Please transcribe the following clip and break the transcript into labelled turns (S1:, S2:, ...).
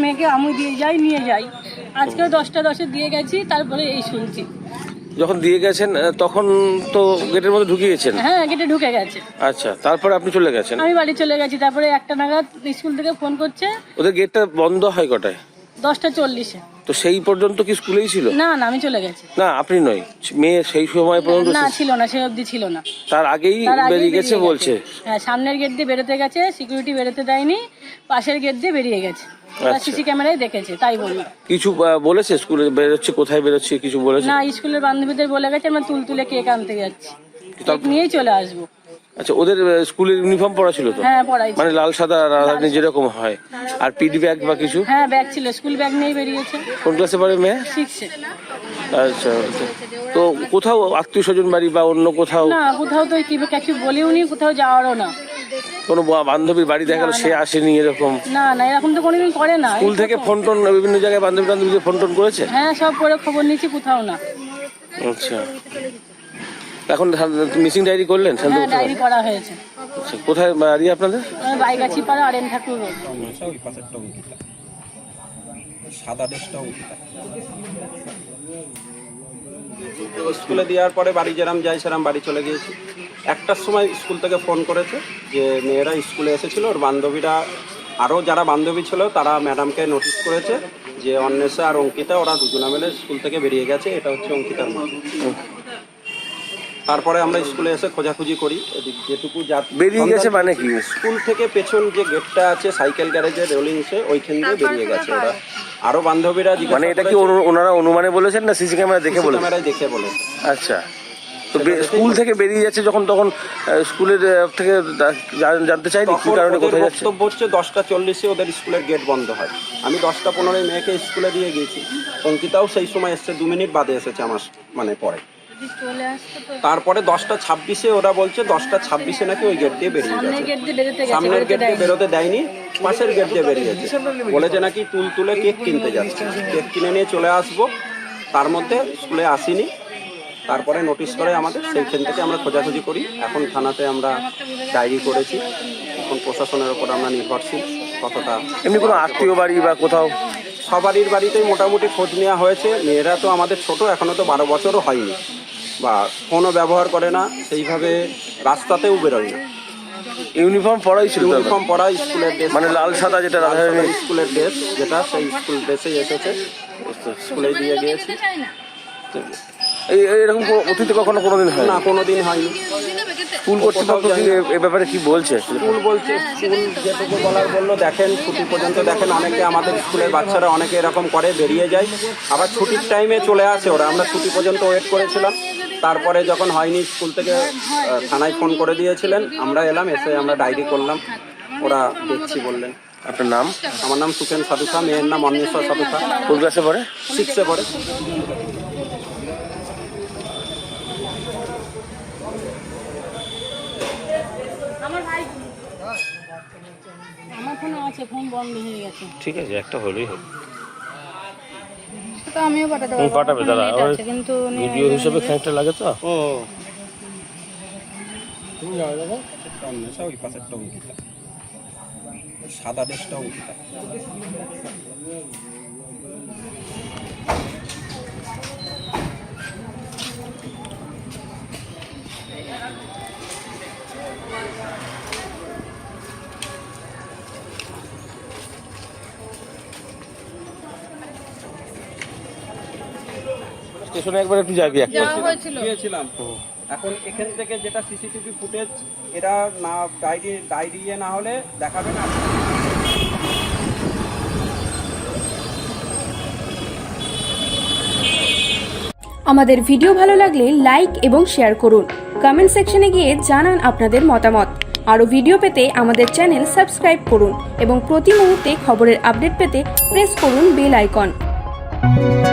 S1: মেয়েকে আমি নিয়ে যাই আজকেও 10টা 10 দিয়ে গেছি, তারপরে এই শুনছি।
S2: যখন দিয়ে গেছেন তখন তো গেটের মধ্যে ঢুকিয়েছেন?
S1: হ্যাঁ, গেটে ঢুকে গেছে।
S2: আচ্ছা, তারপরে আপনি চলে গেছেন?
S1: আমি বাড়ি চলে গেছি। তারপরে 1টা নাগাদ স্কুল থেকে ফোন করছে।
S2: ওদের গেটটা বন্ধ হয় কটায়?
S1: 10টা 40-এ।
S2: তো সেই পর্যন্ত কি স্কুলেই ছিল?
S1: না না, আমি চলে গেছি।
S2: না, আপনি নয়, মেয়ে সেই সময় পর্যন্ত
S1: না ছিল না, সে অবধি ছিল না।
S2: তার আগেই বেরিয়ে গেছে বলছে?
S1: হ্যাঁ, সামনের গেট দিয়ে বেরোতে গেছে, সিকিউরিটি বেরোতে দেয়নি, পাশের গেট দিয়ে বেরিয়ে গেছে। সিসি ক্যামেরায় দেখেছে, তাই বলল।
S2: কিছু বলেছে স্কুলে বেরোচ্ছে, কোথায় বেরোচ্ছে কিছু বলেছে?
S1: না, স্কুলের বান্ধবীদের বলে গেছে আমরা তুলে কেক আনতে যাচ্ছি, কেক নিয়েই চলে আসবো।
S2: আচ্ছা, ওদের স্কুলের ইউনিফর্ম পরা ছিল তো?
S1: হ্যাঁ, পড়াই,
S2: মানে লাল সাদা রাধারানী যেরকম হয়। আর পিডি ব্যাগ বা কিছু?
S1: হ্যাঁ, ব্যাগ ছিল, স্কুল ব্যাগ নিয়েই বেরিয়েছে।
S2: কোন ক্লাসে পড়ে মেয়ে?
S1: 6-এ।
S2: আচ্ছা, তো কোথাও আত্মীয় স্বজন বাড়ি বা অন্য কোথাও?
S1: না, কোথাও তো কিছু বলেও নি, কোথাও যাওয়ারও না।
S2: কোনো বান্ধবীর বাড়ি দেখা গেল সে আসেনি এরকম?
S1: না না, এরকম তো কোনোদিন করে না।
S2: স্কুল থেকে ফোন টোন বিভিন্ন জায়গায় বান্ধবীকে ফোন টোন করেছে?
S1: হ্যাঁ, সব করে খবর নিয়েছি, কোথাও না।
S2: আচ্ছা, এখন মিসিং ডায়েরি করলেন?
S1: হ্যাঁ, ডায়েরি করা হয়েছে।
S2: আচ্ছা, কোথায় বাড়ি আপনাদের?
S1: বাইগাছি পাড়া, আরেন ঠাকুর রোড।
S3: স্কুলে দেওয়ার পরে বাড়ি যেরাম যাই সেরাম বাড়ি চলে গিয়েছি। 1টার সময় স্কুল থেকে ফোন করেছে যে মেয়েরা স্কুলে এসেছিল, ওর বান্ধবীরা আরও যারা বান্ধবী ছিল তারা ম্যাডামকে নোটিশ করেছে যে অন্বেষা আর অঙ্কিতা ওরা দুজনে মিলে স্কুল থেকে বেরিয়ে গেছে, এটা হচ্ছে অঙ্কিতার মা। তারপরে আমরা স্কুলে এসে খোঁজাখুঁজি করি, যেটুকু
S2: বেরিয়ে গেছে মানে কি?
S3: স্কুল থেকে পেছন যে গেটটা আছে সাইকেল গ্যারেজের রেলিংসে, ওইখান দিয়ে বেরিয়ে গেছে ওরা। আরো বান্ধবীরা
S2: মানে এটা কি ওনারা অনুমানে বলেছেন না সিসি ক্যামেরা দেখে বলেছেন?
S3: ক্যামেরায় দেখে বলে।
S2: আচ্ছা, তো স্কুল থেকে বেরিয়ে যাচ্ছে যখন, তখন স্কুলের থেকে জানতে চাইনি কি কারণে কোথায় যাচ্ছে?
S3: বক্তব্য হচ্ছে 10টা 40-এ ওদের স্কুলের গেট বন্ধ হয়। আমি 10টা 15-এ মেয়েকে স্কুলে দিয়ে গিয়েছি, অঙ্কিতাও সেই সময় এসছে, 2 মিনিট বাদে এসেছে আমার মানে পরে। তারপরে 10টা 26-এ ওরা বলছে 10টা 26-এ নাকি ওই গেট দিয়ে বেরিয়ে গেছে। সামনের গেট দিয়ে বেরোতে দেয়নি, পাশের গেট দিয়ে বেরিয়েছে। বলেছে নাকি তুলে কেক কিনতে যাচ্ছে, কেক কিনে নিয়ে চলে আসবো। তার মধ্যে স্কুলে আসিনি, তারপরে নোটিশ করে আমাদের, সেইখান থেকে আমরা খোঁজাখুঁজি করি। এখন থানাতে আমরা ডায়েরি করেছি, এখন প্রশাসনের ওপর আমরা নির্ভরশীল কতটা।
S2: এমনি কোনো আত্মীয় বাড়ি বা কোথাও?
S3: সবারই বাড়িতেই মোটামুটি খোঁজ নেওয়া হয়েছে। মেয়েরা তো আমাদের ছোট, এখনও তো 12 বছরও হয়নি, বা ফোনও ব্যবহার করে না, সেইভাবে রাস্তাতেও বেরোয় না।
S2: ইউনিফর্ম পরাই ছিল?
S3: ইউনিফর্ম পরা, স্কুলের ড্রেস,
S2: মানে লাল সাদা যেটা
S3: স্কুলের ড্রেস যেটা, সেই স্কুল ড্রেসেই এসেছে, স্কুলে দিয়ে গিয়েছি।
S2: এরকম অতীতে কখনো কোনোদিন হয়
S3: না? কোনোদিন হয়নি।
S2: স্কুল কর্তৃপক্ষ এ ব্যাপারে কি বলছে?
S3: স্কুল বলছে, স্কুল যেটুকু বলার বললো, দেখেন ছুটি পর্যন্ত দেখেন, অনেকে আমাদের স্কুলের বাচ্চারা অনেকে এরকম করে, বেরিয়ে যায়, আবার ছুটির টাইমে চলে আসে ওরা। আমরা ছুটি পর্যন্ত ওয়েট করেছিলাম, তারপরে যখন হয়নি স্কুল থেকে থানায় ফোন করে দিয়েছিলেন, আমরা এলাম, এসে আমরা ডায়েরি করলাম, ওরা দেখছি বললেন।
S2: আপনার নাম?
S3: আমার নাম সুখেন সাধুখা, মেয়ের নাম অন্বেষা সাধুখা।
S2: কোন ক্লাসে পড়ে?
S3: 6-এ পড়ে।
S1: আমার ফোনে আছে, ফোন বন্ধ হয়ে গেছে।
S2: ঠিক আছে, একটা হলেই হবে।
S1: তো আমিও পাঠাতে পারবো,
S2: পাঠাবে দাদা,
S1: কিন্তু
S2: ভিডিও হিসেবে খানিকটা লাগে তো।
S3: ও তুমি যাও দাদা, অন্বেষা, ওই পাশেরটা অঙ্কিতা, সাদা ড্রেসটা অঙ্কিতা।
S2: স্টেশনে একবার একটু যাবি একটা।
S3: গিয়েছিলাম। এখন এখান থেকে যেটা সিসিটিভি ফুটেজ, এরা না ডায়েরি না হলে দেখাবে না।
S4: আমাদের ভিডিও ভালো লাগলে লাইক এবং শেয়ার করুন। কমেন্ট সেকশনে গিয়ে জানান আপনাদের মতামত। আরও ভিডিও পেতে আমাদের চ্যানেল সাবস্ক্রাইব করুন এবং প্রতি মুহূর্তে খবরের আপডেট পেতে প্রেস করুন বেল আইকন।